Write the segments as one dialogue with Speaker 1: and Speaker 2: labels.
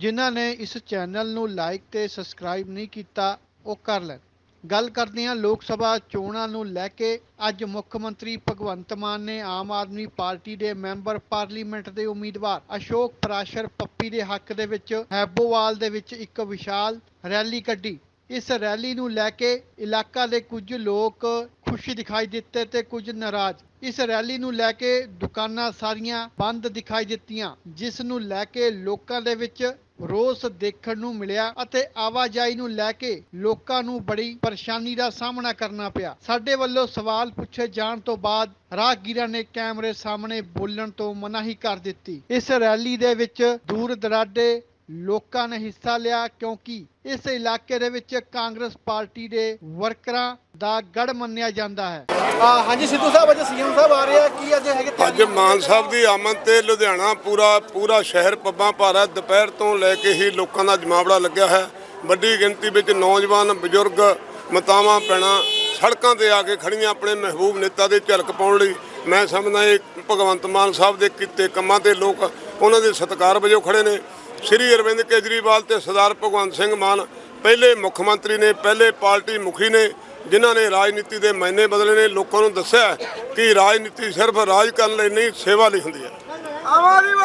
Speaker 1: ਜਿਨ੍ਹਾਂ ਨੇ ਇਸ ਚੈਨਲ ਨੂੰ ਲਾਈਕ ਤੇ ਸਬਸਕ੍ਰਾਈਬ ਨਹੀਂ ਕੀਤਾ ਉਹ ਕਰ ਲੈਣ। ਗੱਲ ਕਰਦੇ ਹਾਂ ਲੋਕ ਸਭਾ ਚੋਣਾਂ ਨੂੰ ਲੈ ਕੇ। ਅੱਜ ਮੁੱਖ ਮੰਤਰੀ ਭਗਵੰਤ ਮਾਨ ਨੇ ਆਮ ਆਦਮੀ ਪਾਰਟੀ ਦੇ ਮੈਂਬਰ ਪਾਰਲੀਮੈਂਟ ਦੇ ਉਮੀਦਵਾਰ ਅਸ਼ੋਕ ਪ੍ਰਾਸ਼ਰ ਪੱਪੀ ਦੇ ਹੱਕ ਦੇ ਵਿੱਚ ਹੈਬੋਵਾਲ ਦੇ ਵਿੱਚ ਇੱਕ ਵਿਸ਼ਾਲ ਰੈਲੀ ਕੱਢੀ। ਇਸ ਰੈਲੀ ਨੂੰ ਲੈ ਕੇ ਇਲਾਕਾ ਦੇ ਕੁਝ ਲੋਕ ਖੁਸ਼ੀ ਦਿਖਾਈ ਦਿੱਤੇ ਤੇ ਕੁਝ ਨਾਰਾਜ਼। ਇਸ ਰੈਲੀ ਨੂੰ ਲੈ ਕੇ ਦੁਕਾਨਾਂ ਸਾਰੀਆਂ ਬੰਦ ਦਿਖਾਈ ਦਿੱਤੀਆਂ, ਜਿਸ ਨੂੰ ਲੈ ਕੇ ਲੋਕਾਂ ਦੇ ਵਿੱਚ ਰੋਸ ਦੇਖਣ ਨੂੰ ਮਿਲਿਆ ਅਤੇ ਆਵਾਜਾਈ ਨੂੰ ਲੈ ਕੇ ਲੋਕਾਂ ਨੂੰ ਬੜੀ ਪਰੇਸ਼ਾਨੀ ਦਾ ਸਾਹਮਣਾ ਕਰਨਾ ਪਿਆ। ਸਾਡੇ ਵੱਲੋਂ ਸਵਾਲ ਪੁੱਛੇ ਜਾਣ ਤੋਂ ਬਾਅਦ ਰਾਹਗੀਰਾਂ ਨੇ ਕੈਮਰੇ ਸਾਹਮਣੇ ਬੋਲਣ ਤੋਂ ਮਨਾਹੀ ਕਰ ਦਿੱਤੀ। ਇਸ ਰੈਲੀ ਦੇ ਵਿੱਚ ਦੂਰ ਦਰਾਡੇ ਲੋਕਾਂ ਨੇ ਹਿੱਸਾ ਲਿਆ ਕਿਉਂਕਿ ਇਸ ਇਲਾਕੇ ਦੇ ਵਿੱਚ ਕਾਂਗਰਸ ਪਾਰਟੀ ਦੇ ਵਰਕਰਾਂ ਦਾ ਗੜ ਮੰਨਿਆ ਜਾਂਦਾ ਹੈ। ਹਾਂਜੀ ਸਿੱਧੂ ਸਾਹਿਬ, ਅੱਜ ਸੀਐਮ ਸਾਹਿਬ ਆ ਰਹੇ ਆ, ਕੀ ਅੱਜ ਹੈਗੇ?
Speaker 2: ਅੱਜ ਮਾਨ ਸਾਹਿਬ ਦੀ ਆਮਦ ਤੇ ਲੁਧਿਆਣਾ ਪੂਰਾ ਸ਼ਹਿਰ ਪੱਬਾਂ ਭਾਰਾ। ਦੁਪਹਿਰ ਤੋਂ ਲੈ ਕੇ ਹੀ ਲੋਕਾਂ ਦਾ ਜਮਾਵੜਾ ਲੱਗਿਆ ਹੈ। ਵੱਡੀ ਗਿਣਤੀ ਵਿੱਚ ਨੌਜਵਾਨ, ਬਜ਼ੁਰਗ, ਮਾਤਾਵਾਂ, ਭੈਣਾਂ ਸੜਕਾਂ ਤੇ ਆ ਕੇ ਖੜੀਆਂ ਆਪਣੇ ਮਹਿਬੂਬ ਨੇਤਾ ਦੇ ਝਲਕ ਪਾਉਣ ਲਈ। ਮੈਂ ਸਮਝਦਾ ਇਹ ਭਗਵੰਤ ਮਾਨ ਸਾਹਿਬ ਦੇ ਕੀਤੇ ਕੰਮਾਂ ਤੇ ਲੋਕ ਉਹਨਾਂ ਦੇ ਸਤਿਕਾਰ ਵਜੋਂ ਖੜੇ ਨੇ। ਸ਼੍ਰੀ ਅਰਵਿੰਦ ਕੇਜਰੀਵਾਲ ਤੇ ਸਰਦਾਰ ਭਗਵੰਤ ਸਿੰਘ ਮਾਨ ਪਹਿਲੇ ਮੁੱਖ ਮੰਤਰੀ ਨੇ, ਪਹਿਲੇ ਪਾਰਟੀ ਮੁਖੀ ਨੇ, ਜਿਨ੍ਹਾਂ ਨੇ ਰਾਜਨੀਤੀ ਦੇ ਮਾਇਨੇ ਬਦਲੇ ਨੇ। ਲੋਕਾਂ ਨੂੰ ਦੱਸਿਆ ਕਿ ਰਾਜਨੀਤੀ ਸਿਰਫ ਰਾਜ ਕਰਨ ਲਈ ਨਹੀਂ, ਸੇਵਾ ਲਈ ਹੁੰਦੀ ਹੈ।
Speaker 3: ਆਮ ਆਦਮੀ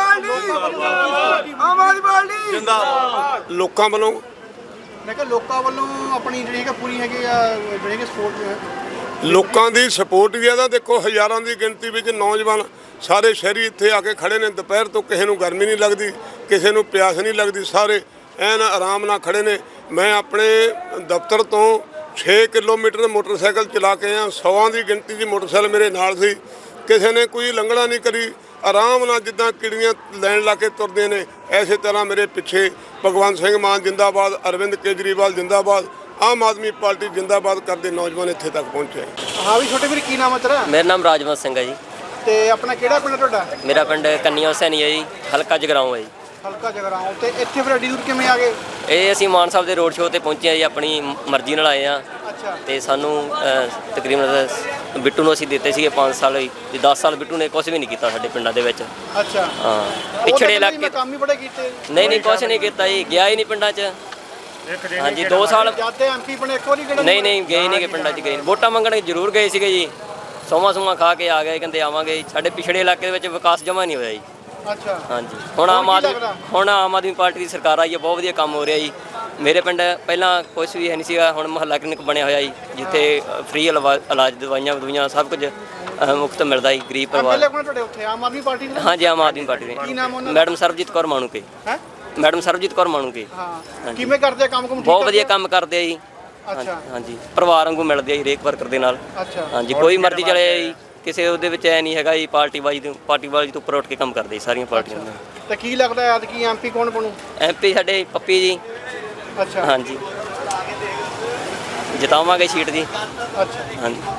Speaker 3: ਪਾਰਟੀ ਜਿੰਦਾਬਾਦ।
Speaker 2: ਲੋਕਾਂ ਵੱਲੋਂ
Speaker 1: ਮੈਂ ਕਿਹਾ ਲੋਕਾਂ ਵੱਲੋਂ ਆਪਣੀ ਜਿਹੜੀ ਹੈ ਪੂਰੀ ਹੈਗੀ ਆ, ਜਿਹੜੀ ਸਪੋਰਟ ਹੈ
Speaker 2: ਲੋਕਾਂ ਦੀ ਸਪੋਰਟ ਵੀ ਇਹਦਾ ਦੇਖੋ, ਹਜ਼ਾਰਾਂ ਦੀ ਗਿਣਤੀ ਵਿੱਚ ਨੌਜਵਾਨ ਸਾਰੇ ਸ਼ਹਿਰੀ ਇੱਥੇ ਆ ਕੇ ਖੜੇ ਨੇ। ਦੁਪਹਿਰ ਤੋਂ ਕਿਸੇ ਨੂੰ ਗਰਮੀ ਨਹੀਂ ਲੱਗਦੀ, ਕਿਸੇ ਨੂੰ ਪਿਆਸ ਨਹੀਂ ਲੱਗਦੀ, ਸਾਰੇ ਐਨ ਆਰਾਮ ਨਾਲ ਖੜੇ ਨੇ। ਮੈਂ ਆਪਣੇ ਦਫ਼ਤਰ ਤੋਂ 6 ਕਿਲੋਮੀਟਰ ਮੋਟਰਸਾਈਕਲ ਚਲਾ ਕੇ ਆਇਆ। 100 ਦੀ ਗਿਣਤੀ ਦੀ ਮੋਟਰਸਾਈਕਲ ਮੇਰੇ ਨਾਲ ਸੀ। ਕਿਸੇ ਨੇ ਕੋਈ ਲੰਘਣਾ ਨਹੀਂ ਕਰੀ, ਆਰਾਮ ਨਾਲ ਜਿੱਦਾਂ ਕਿੜੀਆਂ ਲੈਣ ਲਾ ਕੇ ਤੁਰਦੇ ਨੇ, ਐਸੇ ਤਰ੍ਹਾਂ ਮੇਰੇ ਪਿੱਛੇ ਭਗਵੰਤ ਸਿੰਘ ਮਾਨ ਜਿੰਦਾਬਾਦ, ਅਰਵਿੰਦ ਕੇਜਰੀਵਾਲ ਜਿੰਦਾਬਾਦ, ਆਮ ਆਦਮੀ ਪਾਰਟੀ ਜਿੰਦਾਬਾਦ ਕਰਦੇ ਨੌਜਵਾਨ ਇੱਥੇ ਤੱਕ ਪਹੁੰਚੇ।
Speaker 1: ਹਾਂ ਵੀ ਛੋਟੇ ਵੀਰ, ਕੀ ਨਾਮ ਹੈ ਤੇਰਾ?
Speaker 4: ਮੇਰਾ ਨਾਮ ਰਾਜਵੰਤ ਸਿੰਘ ਹੈ ਜੀ।
Speaker 1: ਤੇ ਆਪਣਾ ਕਿਹੜਾ ਪਿੰਡ ਤੁਹਾਡਾ?
Speaker 4: ਮੇਰਾ ਪਿੰਡ ਕੰਨੀਆ ਹੁਸੈਨੀ ਹੈ ਜੀ, ਹਲਕਾ ਜਗਰਾਉਂ ਹੈ ਜੀ।
Speaker 1: ਹਲਕਾ ਜਗਰਾਉਂ। ਤੇ ਇੱਥੇ ਫਿਰ ਐਡੀ ਦੂਰ ਕਿਵੇਂ ਆ ਗਏ?
Speaker 4: ਇਹ ਅਸੀਂ ਮਾਨ ਸਾਹਿਬ ਦੇ ਰੋਡ ਸ਼ੋਅ ਤੇ ਪਹੁੰਚੇ ਆ ਜੀ, ਆਪਣੀ ਮਰਜ਼ੀ ਨਾਲ ਆਏ ਆ।
Speaker 1: ਅੱਛਾ।
Speaker 4: ਤੇ ਸਾਨੂੰ ਤਕਰੀਬਨ ਬਿੱਟੂ ਨੂੰ ਅਸੀਂ ਦਿੱਤੇ ਸੀਗੇ 5 ਸਾਲ ਜੀ। 10 ਸਾਲ ਬਿੱਟੂ ਨੇ ਕੁਝ ਵੀ ਨਹੀਂ ਕੀਤਾ ਸਾਡੇ ਪਿੰਡਾਂ ਦੇ ਵਿੱਚ।
Speaker 1: ਅੱਛਾ।
Speaker 4: ਹਾਂ, ਪਿਛੜੇ ਇਲਾਕੇ
Speaker 1: ਕੰਮ ਹੀ ਬੜੇ ਕੀਤੇ।
Speaker 4: ਨਹੀਂ ਕੁਝ ਨਹੀਂ ਕੀਤਾ ਜੀ, ਗਿਆ ਹੀ ਨਹੀਂ ਪਿੰਡਾਂ 'ਚ। ਹਾਂਜੀ 2 ਸਾਲ
Speaker 1: ਜਾਂਦੇ ਐਮਪੀ ਬਣੇ, ਇੱਕ ਵਾਰੀ ਕਿਹੜਾ?
Speaker 4: ਨਹੀਂ ਗਏ ਨਹੀਂ, ਪਿੰਡਾਂ 'ਚ ਗਏ। ਵੋਟਾਂ ਮੰਗਣ ਜ਼ਰੂਰ ਗਏ ਸੀਗੇ ਜੀ, ਸੋਮਾ ਖਾ ਕੇ ਆ ਗਏ, ਕਹਿੰਦੇ ਆਵਾਂਗੇ। ਸਾਡੇ ਪਿਛੜੇ ਇਲਾਕੇ ਦੇ ਵਿੱਚ ਵਿਕਾਸ ਜਮਾ ਨਹੀਂ ਹੋਇਆ ਜੀ।
Speaker 1: ਅੱਛਾ।
Speaker 4: ਹਾਂਜੀ, ਹੁਣ ਆਮ ਆਦਮੀ ਪਾਰਟੀ ਦੀ ਸਰਕਾਰ ਆਈ ਹੈ, ਬਹੁਤ ਵਧੀਆ ਕੰਮ ਹੋ ਰਿਹਾ ਜੀ। ਮੇਰੇ ਪਿੰਡ ਪਹਿਲਾਂ ਕੁਛ ਵੀ ਹੈ ਨਹੀਂ ਸੀਗਾ, ਹੁਣ ਮੁਹੱਲਾ ਕਲੀਨਿਕ ਬਣਿਆ ਹੋਇਆ ਜੀ, ਜਿੱਥੇ ਫ੍ਰੀ ਇਲਾਜ, ਦਵਾਈਆਂ ਸਭ ਕੁਝ ਮੁਫਤ ਮਿਲਦਾ ਜੀ ਗਰੀਬ ਪਰਿਵਾਰ।
Speaker 1: ਤੁਹਾਡੇ ਉੱਥੇ ਆਮ ਆਦਮੀ ਪਾਰਟੀ ਦੇ?
Speaker 4: ਹਾਂਜੀ, ਆਮ ਆਦਮੀ ਪਾਰਟੀ ਦੇ।
Speaker 1: ਕੀ ਨਾਮ ਉਹਨਾਂ?
Speaker 4: ਮੈਡਮ ਸਰਬਜੀਤ ਕੌਰ ਮਾਣੂਕੇ।
Speaker 1: ਹੈ
Speaker 4: ਮੈਡਮ ਸਰਬਜੀਤ ਕੌਰ ਮਾਣੂਕੇ।
Speaker 1: ਹਾਂ। ਕਿਵੇਂ ਕਰਦੇ ਆ ਕੰਮ?
Speaker 4: ਬਹੁਤ ਵਧੀਆ ਕੰਮ ਕਰਦੇ ਆ ਜੀ।
Speaker 1: ਅੱਛਾ।
Speaker 4: ਹਾਂਜੀ, ਪਰਿਵਾਰ ਵਾਂਗੂ ਮਿਲਦੇ ਆ ਜੀ ਹਰੇਕ ਵਰਕਰ ਦੇ ਨਾਲ।
Speaker 1: ਅੱਛਾ।
Speaker 4: ਹਾਂਜੀ, ਕੋਈ ਮਰਜ਼ੀ ਚਲੇ ਜੀ, ਕਿਸੇ ਉਹਦੇ ਵਿੱਚ ਐ ਨਹੀਂ ਹੈਗਾ ਜੀ ਪਾਰਟੀ ਵਾਲੀ ਤੋਂ ਉੱਪਰ ਉੱਠ ਕੇ ਕੰਮ ਕਰਦੇ ਸਾਰੀਆਂ ਪਾਰਟੀਆਂ ਦੇ।
Speaker 1: ਤੇ ਕੀ ਲੱਗਦਾ ਹੈ ਐਤਕੀ ਐਮਪੀ ਕੌਣ ਬਣੂ?
Speaker 4: ਐਮਪੀ ਸਾਡੇ ਪੱਪੀ ਜੀ।
Speaker 1: ਅੱਛਾ।
Speaker 4: ਹਾਂਜੀ, ਜਿਤਾਵਾਂਗੇ ਸੀਟ ਜੀ।
Speaker 1: ਅੱਛਾ।
Speaker 4: ਹਾਂਜੀ।